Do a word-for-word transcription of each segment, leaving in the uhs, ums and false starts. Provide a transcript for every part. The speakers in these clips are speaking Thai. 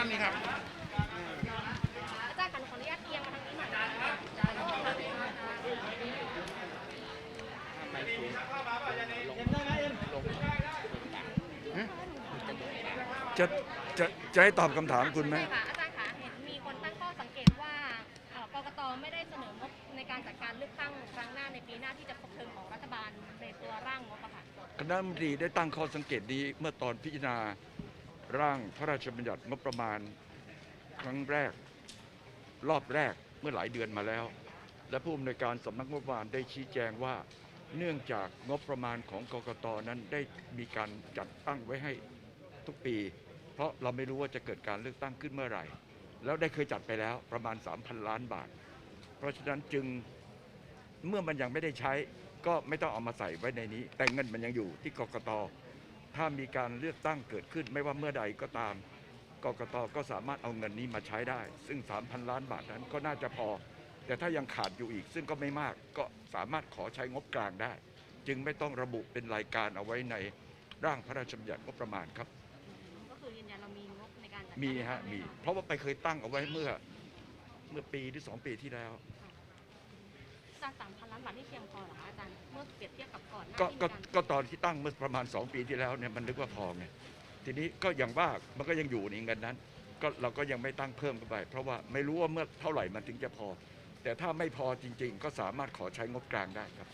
านนี้ครับอาจารย์ขออนุญาตเอียงมาทางนี้หน่อยนะจะจะจะให้ตอบคำถามคุณไหมใช่ค่ะอาจารย์คะเห็นมีคนตั้งข้อสังเกตว่ากกตไม่ได้เสนองบในการจัดการเลือกตั้งครั้งหน้าในปีหน้าที่จะครบเทอมของรัฐบาลในตัวร่างงบอะค่ะคณะรัฐมนตรีได้ตั้งข้อสังเกตนี้เมื่อตอนพิจารณาร่างพระราชบัญญัติงบประมาณครั้งแรกรอบแรกเมื่อหลายเดือนมาแล้ว และผู้อำนวยการสำนักงบประมาณได้ชี้แจงว่าเนื่องจากงบประมาณของกกตนั้นได้มีการจัดตั้งไว้ให้ทุกปี เพราะเราไม่รู้ว่าจะเกิดการเลือกตั้งขึ้นเมื่อไหร่ แล้วได้เคยจัดไปแล้วประมาณ สามพัน ล้านบาท เพราะฉะนั้นจึงเมื่อมันยังไม่ได้ใช้ก็ไม่ต้องเอามาใส่ไว้ในนี้ แต่เงินมันยังอยู่ที่กกตถ้ามีการเลือกตั้งเกิดขึ้นไม่ว่าเมื่อใดก็ตามกกตก็สามารถเอาเงินนี้มาใช้ได้ซึ่ง สามพัน ล้านบาทนั้นก็น่าจะพอแต่ถ้ายังขาดอยู่อีกซึ่งก็ไม่มากก็สามารถขอใช้งบกลางได้จึงไม่ต้องระบุเป็นรายการเอาไว้ในร่างพระราชบัญญัติงบประมาณครับก็คือยืนยันเรามีงบในการจัดมีฮะมีเพราะว่าไปเคยตั้งเอาไว้เมื่อเมื่อปีหรือสองปีที่แล้วจากสามพันล้านบาทที่เพียงพอหรอคะอาจารย์เมื่อเปรียบเทียบกับก่อนหน้าก็ก็ที่ก็ตอนที่ตั้งเมื่อประมาณสองปีที่แล้วเนี่ยมันนึกว่าพอไงทีนี้ก็อย่างว่ามันก็ยังอยู่ในเงินนั้นก็เราก็ยังไม่ตั้งเพิ่มเข้าไปเพราะว่าไม่รู้ว่าเมื่อเท่าไหร่มันถึงจะพอแต่ถ้าไม่พอจริงๆก็สามารถขอใช้งบกลางได้ครับ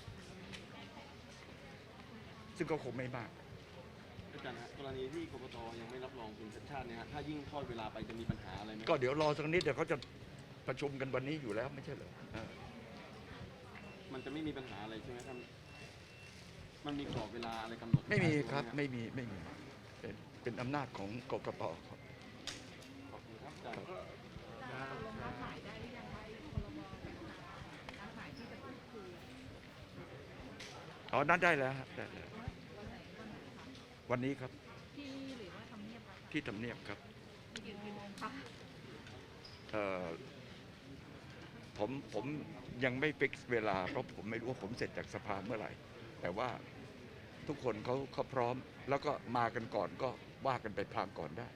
ซึ่งก็คงไม่มากอาจารย์ฮะกรณีที่กกตยังไม่รับรองคุณชัดชาติเนี่ยฮะถ้ายิ่งทอดเวลาไปจะมีปัญหาอะไรไหมก็เดี๋ยวรอสักนิดเดี๋ยวเขาจะประชุมกันวันนี้อยู่แล้วไม่ใช่เหรอมันจะไม่มีปัญหาอะไรใช่ไหมท่านมันมีกรอบเวลาอะไรกำหนดไม่มีครับไม่มีไม่มีเป็นเป็นอำนาจของกกตครับขอบคุณครับอาจารย์อ๋อนั่นได้แล้วได้แล้ววันนี้ครับที่หรือว่าทำเนียบที่ทำเนียบครับกี่โมงคะเอ่อผมผมยังไม่ฟิกซ์เวลาเพราะผมไม่รู้ว่าผมเสร็จจากสภาเมื่อไหร่แต่ว่าทุกคนเขาเขาพร้อมแล้วก็มากันก่อนก็ว่ากันไปพลางก่อนได้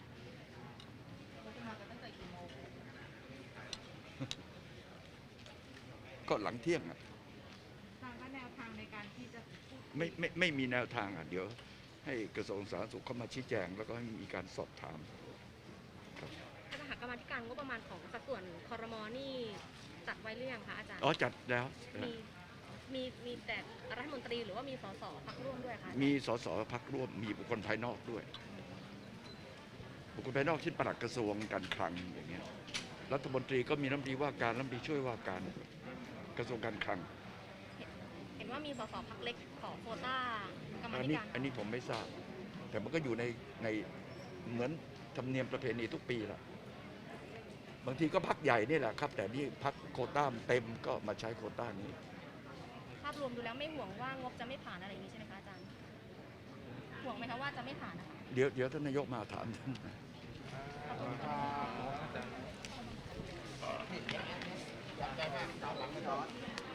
ก็หลังเที่ยงอ่ะแนวทางในการที่จะไม่ไม่ไม่มีแนวทางอ่ะเดี๋ยวให้กระทรวงสาธารณสุขเข้ามาชี้แจงแล้วก็ให้มีการสอบถามครับคณะกรรมาการงบประมาณของสัดส่วนครม.นี่จัดไว้หรือยังคะอาจารย์อ๋อจัดแล้วมีมีมีแต่รัฐมนตรีหรือว่ามีสสพรรคร่วมด้วยคะมีสสพรรคร่วมมีบุคคลภายนอกด้วยบุคคลภายนอกเช่นปลัดกระทรวงการคลังอย่างเงี้ยรัฐมนตรีก็มีรัฐมนตรีว่าการรัฐมนตรีช่วยว่าการกระทรวงการคลังเห็นว่ามีสสพรรคเล็กขอโควต้ากรรมอันธินี้การอันนี้ผมไม่ทราบแต่มันก็อยู่ในในเหมือนธรรมเนียมประเพณีทุกปีละบางทีก็พรรคใหญ่นี่แหละครับแต่นี่พรรคโควต้าเต็มก็มาใช้โควต้านี้ภาพรวมดูแล้วไม่ห่วงว่างบจะไม่ผ่านอะไรอย่างนี้ใช่ไหมคะอาจารย์ห่วงไหมคะว่าจะไม่ผ่านนะคะเดี๋ยวเดี๋ยวท่านนายกมาถามท่านขอบคุณค่ะ